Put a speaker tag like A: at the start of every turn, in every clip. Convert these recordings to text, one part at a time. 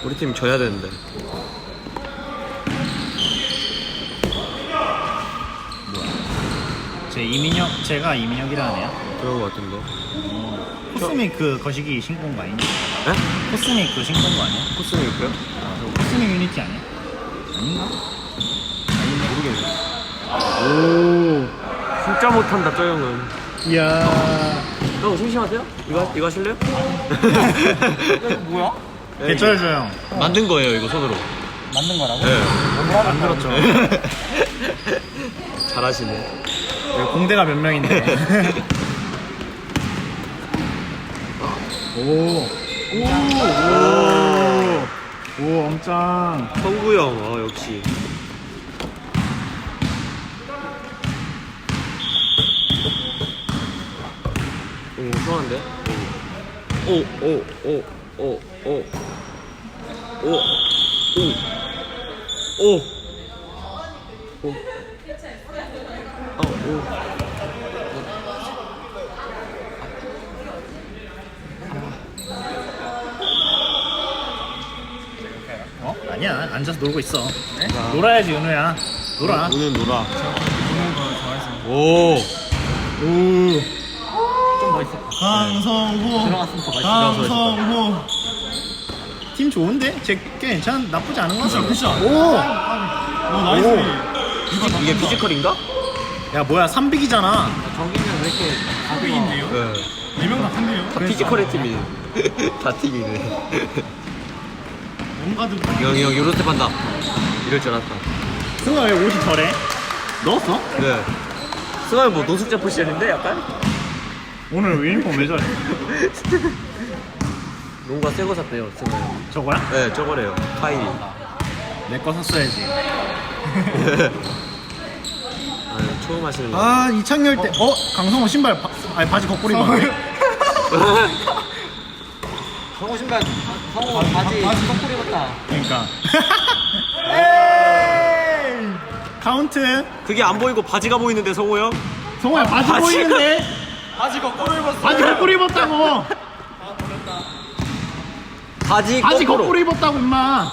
A: 우리 팀 져야 되는데.
B: 제가 이민혁이라네요.
A: 그런 거 같은데.
B: 코스믹 거시기 신고 온 거 아니냐?
A: 에?
B: 코스믹 신고 온 거 아니야?
A: 코스믹이요?
B: 저거 코스믹 유니티 아니야? 아닌가?
A: 모르겠네. 오, 진짜 못한다 저 형은.
B: 이야.
A: 형 심심하세요? 이거 하실래요?
C: 뭐야?
B: 개쩔죠 형.
A: 만든 거예요 이거 손으로.
C: 만든 거라고?
A: 네.
B: 만들었죠.
A: 잘하시네.
B: 공대가 몇 명인데. 오, 엄짱.
A: 성구 형, 역시. 오, 수상한데? 오, 오, 오, 오, 오, 오, 오, 오, 오. 오.
B: 아니야, 앉아서 놀고 있어. 네? 놀아야지, 은우야. 놀아.
A: 오늘 놀아.
C: 보는 거 좋아해서.
A: 오.
C: 좀 멋있어.
B: 강성호.
C: 들어갔으면 더 멋있어.
B: 강성호. 팀 좋은데? 꽤 괜찮, 나쁘지 않은 것 같아.
C: 굿샷.
B: 오!
C: 나이스.
A: 이게 피지컬인가?
B: 야, 뭐야, 3빅이잖아.
C: 정기는 왜 이렇게 가격인데요?
A: 네.
C: 4명 다 큰데요?
A: 다 피지컬의 팀이. 다 팀이네.
C: 뭔가도
A: 형, 요런 스텝 한다. 이럴 줄 알았다.
B: 승아 왜 옷이 저래? 넣었어?
A: 네. 승환이 뭐 노숙자 포지션인데 약간?
B: 오늘 유니폼 왜 저래?
A: 뭔가 새거 샀대요, 승환이.
B: 저거야?
A: 네, 저거래요. 카이리.
B: 내 거 샀어야지.
A: 아, 처음 하시는 거.
B: 아, 이창열 때, 강성호 신발, 바지 거꾸로 입었네.
C: 성호 신발, 성호 바지 거꾸로 입었다.
B: 그러니까. 에이! 카운트.
A: 그게 안 보이고 바지가 보이는데, 성호 형?
B: 성호야, 바지
A: 바지가-
B: 보이는데?
C: 바지 거꾸로 입었어.
B: 바지 거꾸로 입었다고!
A: 바지
B: 바지
A: 거꾸로.
B: 거꾸로 입었다고, 임마!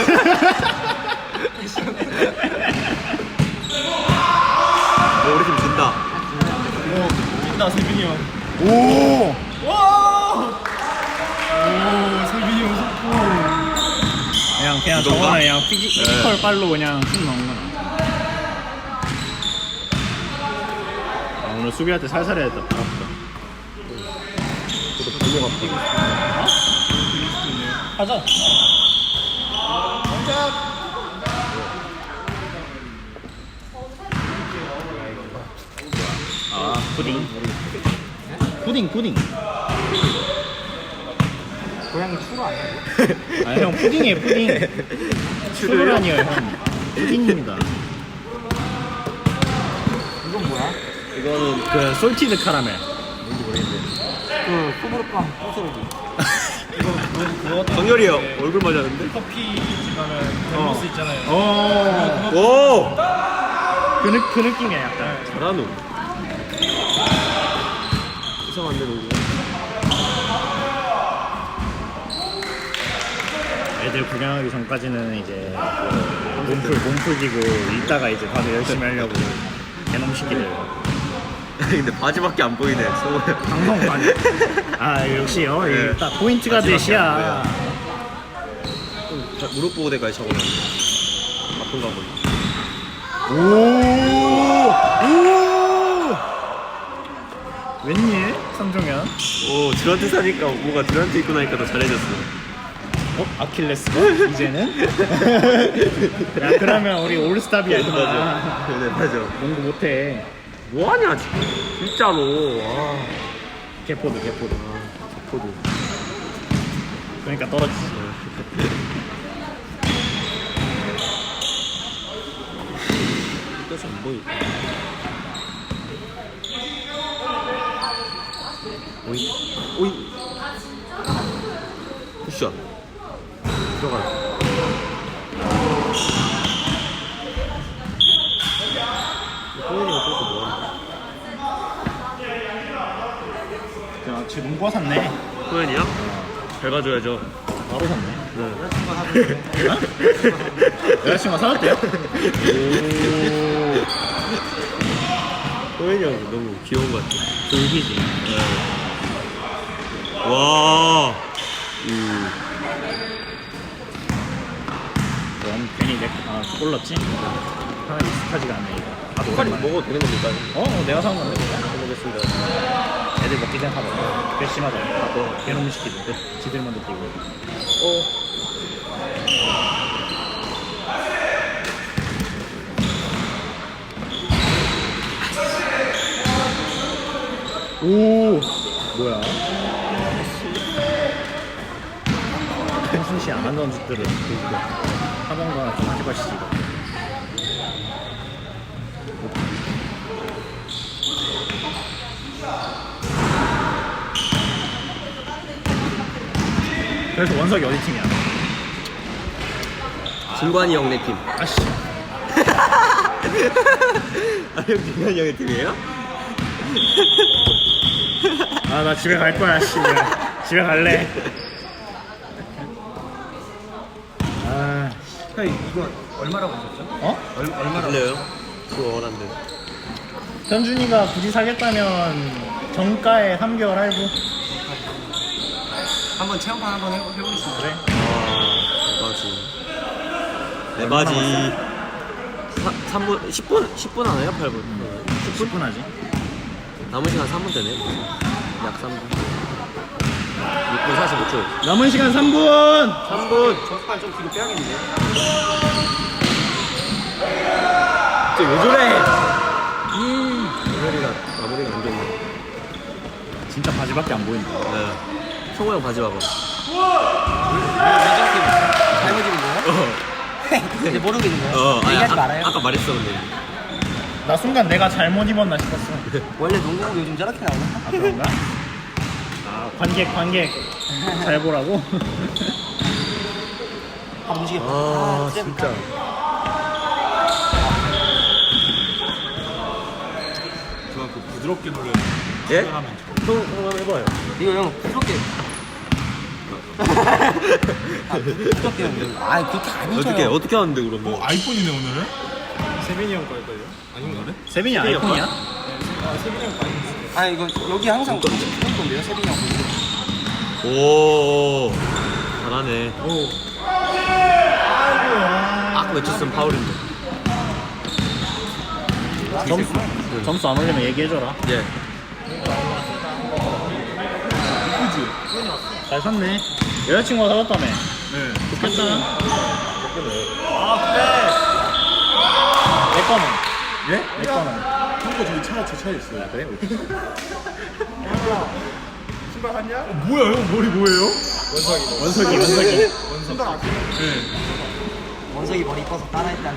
A: 우리 팀 진다.
C: 나 세빈이 형.
B: 오!
C: 오, 세빈이 형 속고.
B: 그냥 저거는 그냥 피지컬 빨로 그냥 슛 넣은 거야. 아, 오늘 수비할 때 살살 해야 겠다.
A: 저도 별로 같다.
C: 가자.
B: 아, 푸딩. 푸딩.
C: 고양이 추로 아니야?
B: 아, 형 푸딩이에요, 푸딩. 추루라니요, 형. 푸딩입니다.
C: 이건 뭐야?
A: 이거는
B: 그 솔티드 카라멜.
C: 그 소보르빵 소스로기.
A: 정열이 형 얼굴 맞았는데?
C: 커피 집가면 밸런스 있잖아요.
A: 오!
B: 그 느낌이야, 약간.
A: 잘하노. 이상한데 너무.
B: 애들 구경하기 전까지는 이제 몸풀기고 이따가 이제 다들 열심히 하려고 개놈 시키들.
A: 근데 바지밖에 안 보이네. 성호 형.
B: 방송 많이. 아, 역시요.
A: 네.
B: 딱 포인트가
A: 바지밖에
B: 대시야.
A: 안 무릎 보고 대까지 차고 나는데. 아픈가 보네.
B: 오! 웬일? 상종현.
A: 오, 드란트 사니까 뭐가 드란트 입고 나니까 더 잘해졌어.
B: 아킬레스가? 이제는? 야, 그러면 우리 올스탑이야, 임마.
A: 네, 맞아.
B: 농구 못해.
A: 뭐하냐, 진짜로. 아,
B: 개포드.
A: 포도.
B: 그러니까 떨어지지.
A: 뜻이 안 보이. 오이. 굿샷. 들어가요. 호연이가 그것도 뭐하는
B: 야, 쟤 농구화 샀네.
A: 호연이야? 잘 봐줘야죠.
B: 바로 샀네.
C: 여자친구가 사줬는데.
B: 여자친구가 사줬대요?
A: 호연이 형 너무 귀여운 것 같아.
B: 돌기지.
A: 와.
B: 그럼 괜히 골랐지? 하나 익숙하지가 않네 이거.
A: 빨리 먹어도 되는 겁니까?
B: 내가 사온 건데.
A: 먹겠습니다.
B: 애들 먹기 전에 다 먹어. 괘씸하다. 개놈 시키는데 지들 먼저 뛰고. 오, 뭐야? 한순시 안 하던 짓들을 하던거나 좀 하지 마시지. 그래서 원석이 어디 팀이야?
A: 진관이 형 내 팀.
B: 아씨.
A: 아, 형 진관이 형의 팀이에요?
B: 아, 나 집에 갈 거야, 씨. 집에 갈래. 아,
C: 형 이거 얼마라고 하셨죠?
A: 얼마나 들려요? 그거 원한데.
B: 현준이가 굳이 사겠다면 정가에 3개월 할부.
C: 한번 체험판 한번 해보겠습니다.
B: 그래?
A: 내 바지. 3분, 10분 하나요? 8분?
B: 10분 하지.
A: 남은 시간 3분 되네. 약 3분. 6분 45초.
B: 남은 시간 3분!
A: 3분!
C: 저스판 좀 뒤로 빼야겠는데.
A: 왜 저래? 마무리가 안 됐네.
B: 진짜 바지밖에 안 보인다.
A: 네. 성호 형 바지 봐봐.
C: 왼쪽팀 잘못 입은 거예요? 이제 모르고 있는 거예요? 얘기하지 말아요.
A: 아까 말했어, 근데.
B: 나 순간 내가 잘못 입었나 싶었어.
C: 원래 농구복 요즘 저렇게 나오나?
B: 아, 그런가? 아, 관객 잘 보라고?
C: 아 움직여.
A: 아, 진짜.
D: 저는 그 부드럽게 놀려요.
A: 예? 형 한번 해봐요.
C: 이거 형 부드럽게. 부드럽게 형. 아 그렇게 아니죠.
A: 어떻게 하는데, 그러면?
D: 아이폰이네 오늘은?
C: 세빈이 형 걸걸요?
D: 아닌가 그래?
B: 세빈이 아이폰이야?
C: 아 이거 여기 항상 그런 건데요 세빈이 형.
A: 오, 잘하네. 아까 외쳤으면 파울인데.
B: 점수 안 올리면 얘기해줘라.
A: 예.
B: 잘 샀네. 여자친구가 사줬다며.
D: 네.
B: 좋겠다. 내 거는?
D: 예?
B: 내 거는?
D: 형거 저기 제 차에 있어요.
B: 그래?
D: 신발 샀냐? 뭐야 형 머리 뭐예요?
B: 원석이.
C: 원석이 머리 이뻐서 따라했다는.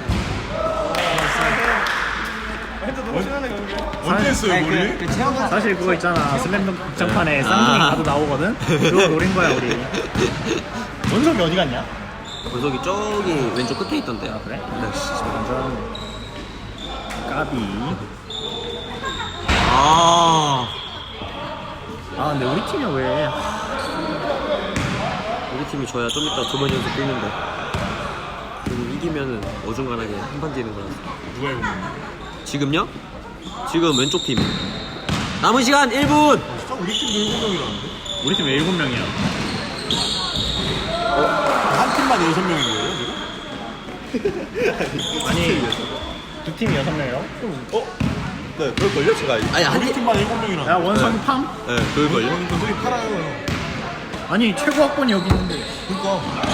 D: 언제 했어요 머리?
C: 그 체험판.
B: 사실 그거 있잖아. 슬램덩크 극장판에 쌍둥이 가도 나오거든? 그거 노린 거야, 우리. 원석이 어디 갔냐?
A: 권석이 저기 왼쪽 끝에 있던데.
B: 아, 그래?
A: 네, 씨.
B: 완전 까비. 근데 우리 팀이 왜?
A: 우리 팀이 져야 좀 이따 2번 연속 뛰는데. 지금 이기면은 어중간하게 한 판 뛰는 거라서.
D: 누가 해본 거야?
A: 지금요? 지금 왼쪽 팀. 남은 시간 1분!
D: 진짜 우리 팀도 7명이라는데?
B: 우리 팀 왜 7명이야?
D: 한 팀만 6명인 거예요 지금?
B: 아니, 두 팀이 6명이라고?
A: 네, 그럴걸요? 제가. 아니,
D: 우리 팀만 7명이라는데?
B: 야, 원석이 팜?
A: 네, 그럴걸요?
D: 저기 팔아요 형.
B: 아니, 최고 학번이 여기 있는데.
D: 그니까 안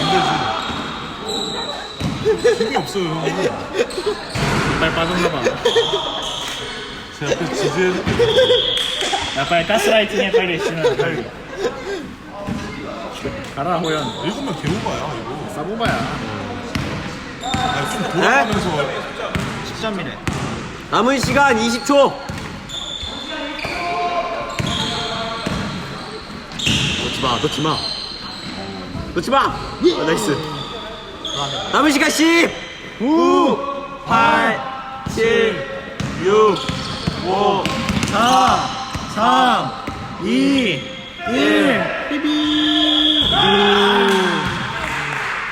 D: 되지. 힘이 없어요 형.
B: 빨리 빠졌나봐.
D: 제 앞에 지지해줄게.
B: 야, 빨리 가스라이팅 해, 빨리. 빨리. 가라, 호연.
D: 7명 개오바야 이거.
B: 싸보바야.
D: 좀 돌아가면서
B: 10점이네.
A: 남은 시간 20초! 놓지 마! 나이스. 남은 시간 10! 9, 8, 7, 6, 5,
B: 4, 3, 2, 1.